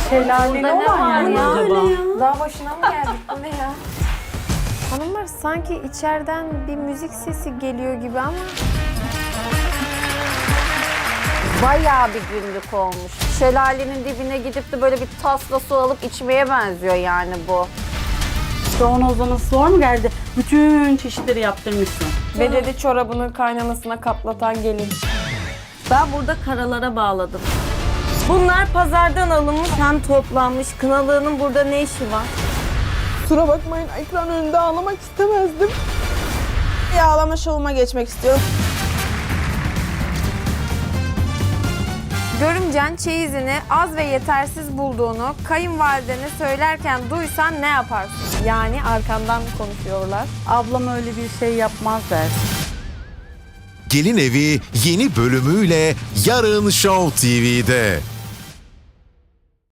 Şelaleli olan yer mi acaba? Daha başına mı geldik? Bu ne ya? Hanımlar sanki içeriden bir müzik sesi geliyor gibi ama... Bayağı bir günlük olmuş. Şelalenin dibine gidip de böyle bir tasla su alıp içmeye benziyor yani bu. Ozan'a zor mu geldi? Bütün çeşitleri yaptırmışsın. Ve dedi çorabını kaynanasına katlatan gelin. Ben burada karalara bağladım. Bunlar pazardan alınmış hem toplanmış. Kınalığının burada ne işi var? Kusura bakmayın, ekran önünde ağlamak istemezdim. Bir ağlama şovuma geçmek istiyorum. Görümcen çeyizini az ve yetersiz bulduğunu kayınvalidene söylerken duysan ne yaparsın? Yani arkandan konuşuyorlar. Ablam öyle bir şey yapmaz der. Gelin Evi yeni bölümüyle yarın Show TV'de.